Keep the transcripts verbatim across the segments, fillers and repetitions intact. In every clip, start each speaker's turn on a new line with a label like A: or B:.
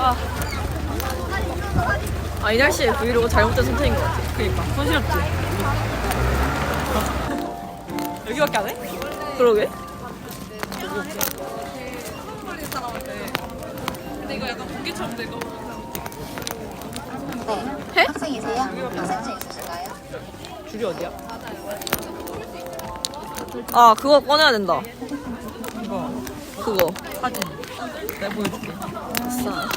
A: 아,
B: 아, 이 날씨에 브이로그 잘못된 선택인 것 같아.
A: 그니까 손실없지. 여기밖에 안 해?
B: 그러게.
A: 근데 이거 약간 공기처럼 돼 이거.
B: 해?
C: 학생이세요? 학생증 있으신가요?
A: 줄이 어디야?
B: 아, 그거 꺼내야 된다.
A: 이거
B: 그거.
A: 사진. 내가 보여줄게.
B: 아싸.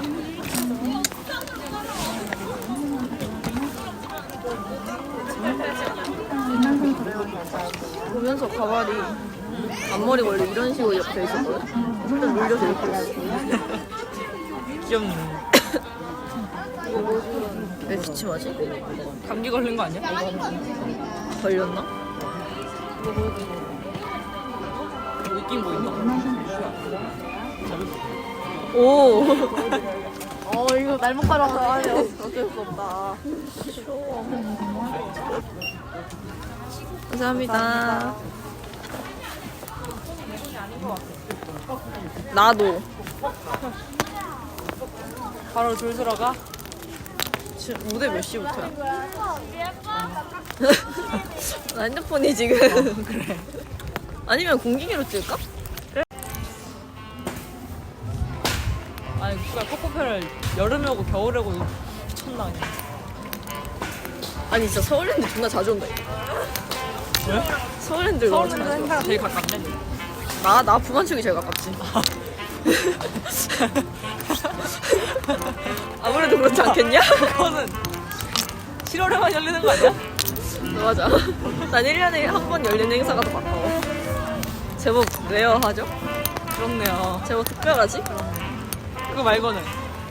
B: 보면서 가발이 앞머리 원래 이런 식으로 옆에 있었거든? 일단 눌려서 이렇게 있어.
A: 귀엽네.
B: 왜 기침하지?
A: 감기 걸린 거 아니야?
B: 걸렸나?
A: 느낌 보인다.
B: 오! 어, 이거 날못 가라고 하네. 어쩔 수 없다. 추워. 감사합니다. 나도.
A: 바로 줄 서러 가?
B: 지금 무대 몇 시부터야? 나 핸드폰이 지금.
A: 그래.
B: 아니면 공기계로 찍을까?
A: 아니 누가 코코페를 여름에 오고 겨울에 오고 미쳤나 그냥.
B: 아니 진짜 서울랜드 존나 자주 온다.
A: 왜?
B: 서울랜드 너무
A: 서울랜드
B: 자주
A: 행사가
B: 와.
A: 제일 가깝네.
B: 나, 나 부산쪽이 제일 가깝지. 아무래도 그렇지 않겠냐?
A: 그거는 칠월에만 열리는 거 아니야?
B: 맞아. 난 일 년에 한 번 열리는 행사가 더 가까워. 제법 레어하죠?
A: 그렇네요.
B: 제법 특별하지?
A: 그거 말고는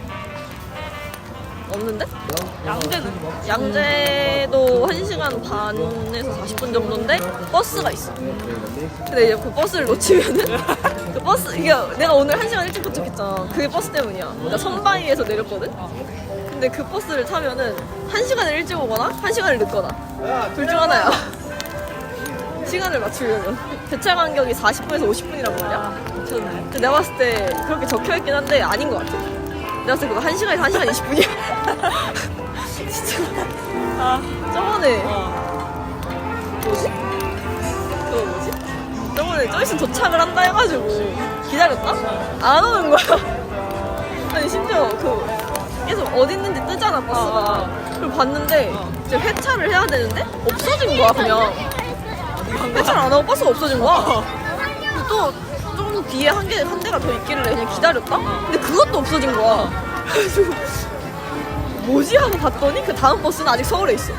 B: 없는데?
A: 양재는
B: 양재도 한 시간 반에서 사십 분 정도인데 버스가 있어. 근데 이제 그 버스를 놓치면은 그 버스 이게 내가 오늘 한 시간 일찍 도착했잖아. 그게 버스 때문이야. 나 선바위에서 내렸거든. 근데 그 버스를 타면은 한 시간을 일찍 오거나 한 시간을 늦거나 둘 중 하나야. 시간을 맞추려면 배차 간격이 사십 분에서 오십 분이란 말이야.
A: 미쳤네.
B: 근데 내가 봤을 때 그렇게 적혀있긴 한데 아닌 것 같아. 내가 봤을 때 그거 한 시간에서 한 시간 이십 분이야. 진짜.
A: 아,
B: 저번에
A: 어.
B: 뭐지? 그거 뭐지? 저번에 저 있으면 도착을 한다 해가지고 기다렸다? 안 오는 거야. 아니 심지어 그 계속 어디 있는지 뜨잖아 버스가. 그걸 봤는데 이제 회차를 해야 되는데 없어진 거야 그냥. 회차를 안 하고 버스가 없어진 거야. 근데 또 조금 뒤에 한 개, 한 대가 더 있길래 그냥 기다렸다? 근데 그것도 없어진 거야. 그래가지고 뭐지? 하고 봤더니 그 다음 버스는 아직 서울에 있어.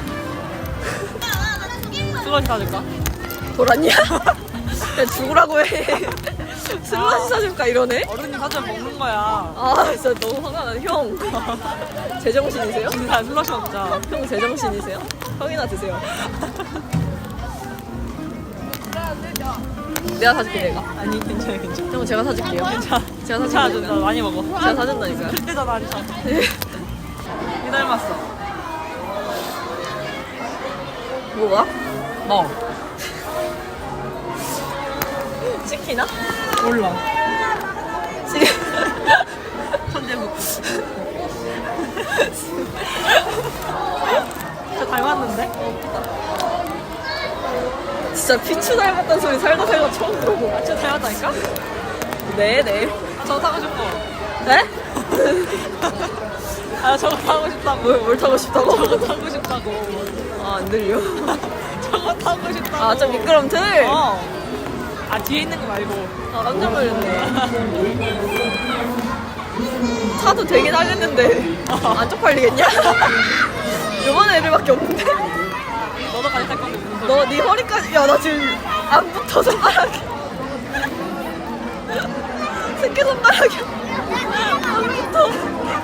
A: 수건 사줄까?
B: 돌았냐? 그냥 죽으라고 해. 슬러시 사줄까 이러네?
A: 어른이 사주면 먹는 거야.
B: 아 진짜 너무 화가 나네. 형 제정신이세요?
A: 진짜 슬러시 먹자.
B: 형 제정신이세요? 형이나 드세요. 내가 사줄게 내가.
A: 아니 괜찮아 괜찮아.
B: 형 제가 사줄게요.
A: 괜찮아.
B: 제가
A: 괜찮아
B: 사줄게요.
A: 진짜 많이 먹어.
B: 제가 사준다니까요.
A: 그때잖아 한참. 이 닮았어.
B: 뭐가?
A: 너.
B: 치키나?
A: 몰라.
B: 지금
A: 천재국. 저 닮았는데?
B: 진짜 피추 닮았다는 소리 살다 살다 처음 들어보고.
A: 진짜 닮았다니까?
B: 네네.
A: 아, 저거 타고 싶어.
B: 네?
A: 아 저거 타고 싶다고.
B: 뭘, 뭘 타고 싶다고?
A: 저거 타고 싶다고.
B: 아 안 들려.
A: 저거 타고 싶다고.
B: 아 좀 미끄럼틀?
A: 어. 아 뒤에 있는 거 말고.
B: 아 깜짝 놀랐네. 차도 되긴 하겠는데 안 쪽팔리겠냐? 요번 애들밖에 없는데?
A: 너도 같이 탈 건데 무슨 소리야?
B: 너 네 허리까지 야 나 지금 안 붙어 손가락이 새끼 손가락이 안 붙어.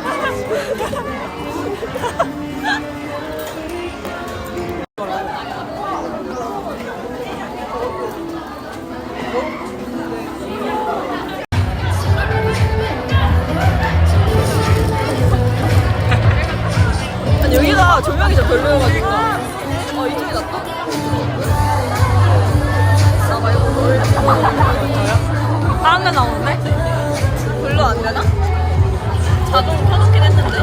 B: 아니 여기가 조명이 좀 별로여가지고 어 이쪽이 낫다. 나 말고 뭘
A: 다른 데 나오는데?
B: 별로 안 되나? 자동 켜놓긴 했는데.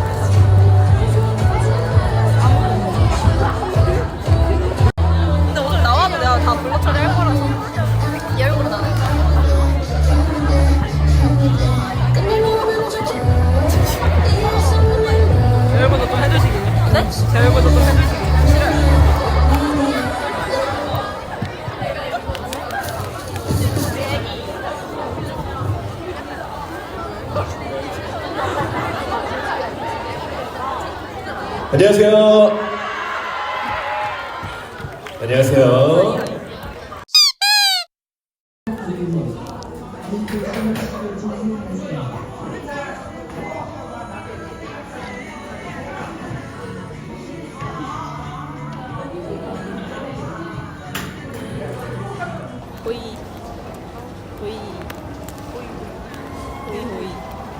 B: 근데 오늘 나와도 내가 다 블록 처리할 거라서 이 얼굴은 안 해.
A: 제 얼굴도 좀 해주시기.
B: 네?
A: 제 얼굴도 좀 해주시기.
D: 안녕하세요. 안녕하세요.
B: 호이 호이 호이 호이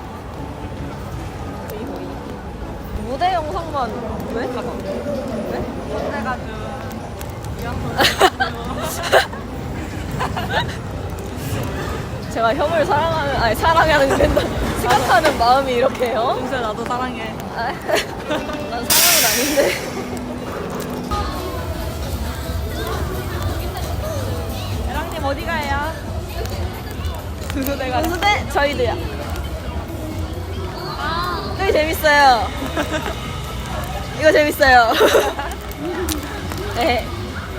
B: 호이 호이 무대 영상만 왜? 잠깐 왜?
A: 무대가 좀
B: 제가 형을 사랑하는 아니 사랑하는 된다 생각하는 마음이 이렇게요?
A: 동생 나도 사랑해.
B: 아, 난 사랑은 아닌데.
A: 애랑님 어디 가요? 내가
B: 분수대 저희도요. 되게 재밌어요. 이거 재밌어요. 네.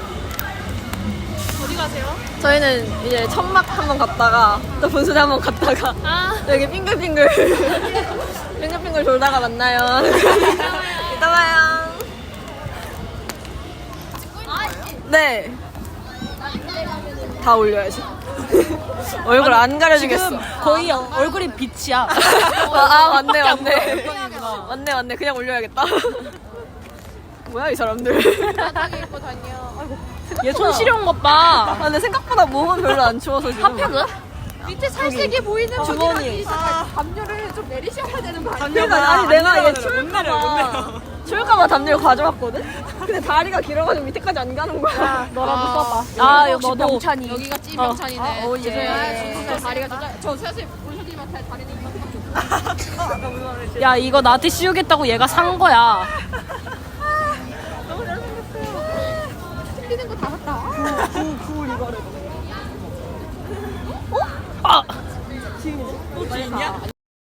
A: 어디 가세요?
B: 저희는 이제 천막 한번 갔다가 또 분수대 한번 갔다가
A: 아.
B: 여기 빙글빙글 빙글빙글 돌다가 만나요. 이따 봐요. 네. 다 올려야지. 얼굴 안 가려주겠어.
A: 지금 거의 얼굴이 빛이야.
B: 아, 아 맞네
A: 밖에 안 보여.
B: 맞네.
A: 물건이구나.
B: 맞네 맞네. 그냥 올려야겠다. 뭐야 이 사람들.
A: 얘 손 시려운 것 봐.
B: 아 근데 생각보다 몸은 별로 안 추워서 지금.
A: 핫팩은?
E: 밑에 살색이 보이는
B: 주머니.
E: 담요를 좀 내리셔야 되는 거 아니에요?
B: 그러니까 아니 내가 얘
A: 못 내려, 못
B: 추울까봐
A: 내려.
B: 추울까봐 담요를 가져왔거든? 근데 다리가 길어가지고 밑에까지 안 가는 거야.
E: 너라도 써봐.
A: 아,
E: 역시
A: 너도.
E: 병찬이. 여기가 찐병찬이네.
B: 어. 아, 오, 예.
E: 죄송해요. 다리가 진짜 저 사실 본쇼님한테 다리는 이만큼 좀.
A: 야 이거 나한테 씌우겠다고 얘가 산 거야.
E: 틀리는 거 다 샀다.
A: 아.
B: 또 지인이야?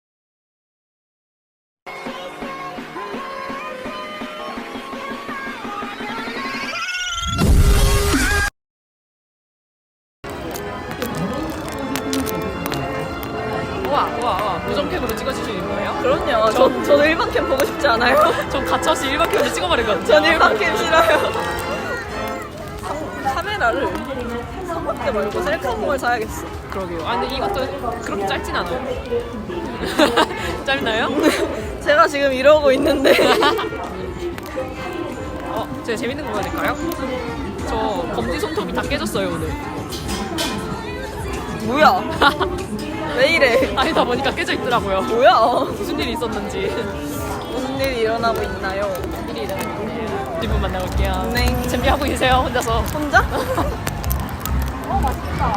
A: 우와 우와 우와 무점캠으로 찍어주시는 거예요?
B: 그럼요. 저, 저도 일반 캠 보고 싶지 않아요.
A: 전 가차없이 일반 캠으로 찍어버리거든요.
B: 전 일반 캠 싫어요. 상, 카메라를 삼각대 말고 셀카봉을 사야겠어.
A: 그러게요. 아 근데 이것도 그렇게 짧진 않아요. 짧나요?
B: 제가 지금 이러고 있는데
A: 어, 제가 재밌는 거 보여드릴까요? 저 검지 손톱이 다 깨졌어요 오늘.
B: 뭐야? 왜 이래?
A: 아니다 보니까 깨져 있더라고요.
B: 뭐야?
A: 무슨 일이 있었는지.
B: 무슨 일이 일어나고 있나요?
A: 일이 일어났는데 뒷분 만나볼게요.
B: 네.
A: 준비하고 계세요 혼자서.
B: 혼자? 어 맛있겠다.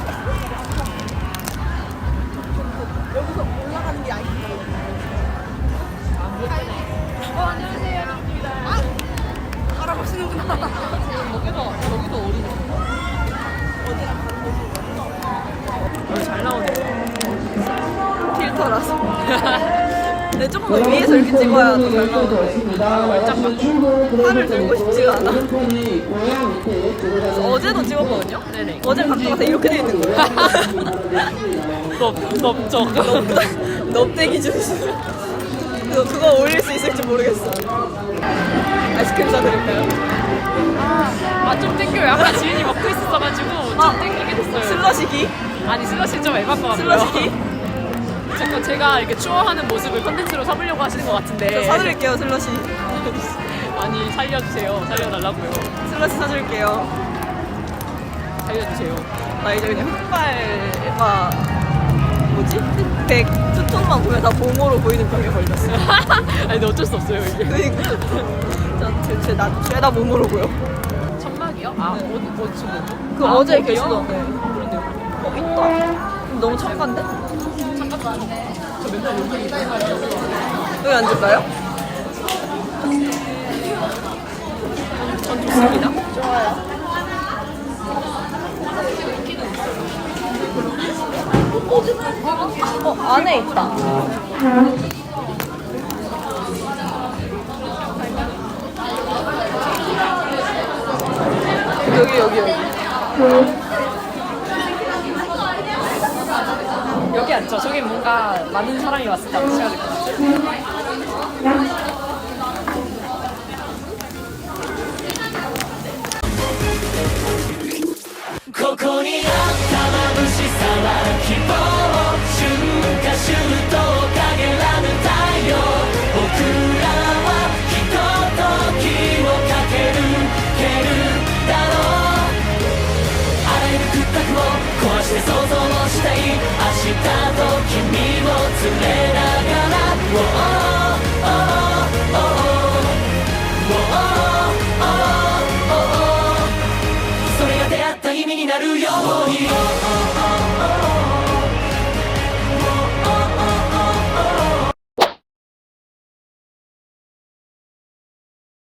B: 여기서 올라가는 게 아닌가? 어 안녕하세요. 아 알아보시는구나.
A: 여기도 여기도 어린이.
B: 어디랑 다른 곳이?
A: 여기 잘 나오네요.
B: 필터라서. 근데 조금 위에서 이렇게 찍어야 더 잘 나오는데 팔을 들고 싶지가 않아. 그래서 어제도 찍었거든요?
A: 네네.
B: 어제 각도가 다 이렇게 돼 있는 거예요.
A: 넓 넓적.
B: 넙대기 주스. 그거, 그거 올릴 수 있을지 모르겠어. 아이스크림 사드릴까요?
A: 아좀 땡겨요. 아까 지은이 먹고 있었어가지고 좀
B: 아,
A: 땡기게 됐어요.
B: 슬러시기?
A: 아니 슬러시 좀 에바인 것 같고요.
B: 슬러시기?
A: 자꾸 제가 이렇게 추워하는 모습을 컨텐츠로 삼으려고 하시는 것 같은데.
B: 저 사드릴게요, 슬러시.
A: 아니 살려주세요. 살려달라고요.
B: 슬러시 사드릴게요.
A: 살려주세요.
B: 나 이제 그냥 흑발과 뭐지? 흑백 투톤만 보면 다 봉호로 보이는 병에 걸렸어.
A: 아니 근데 어쩔 수 없어요 이게.
B: 그니까. 저 대체 나 죄다 몸으로 보여.
A: 천막이요? 아 어디 어디 지금?
B: 그
A: 아,
B: 어제
A: 거기요?
B: 계시던데.
A: 그런데요.
B: 어, 있다. 너무 첨가인데?
A: 잠깐
B: 여기 앉을까요? 전 좋습니다. 좋아요. 어, 안에 있다. 여기, 여기, 여기.
A: 여기 앉죠. 저기 뭔가 많은 사람이 왔을 때 앉으셔야 될 것 같아요.
F: 壊して想像をしたい明日と君を連れ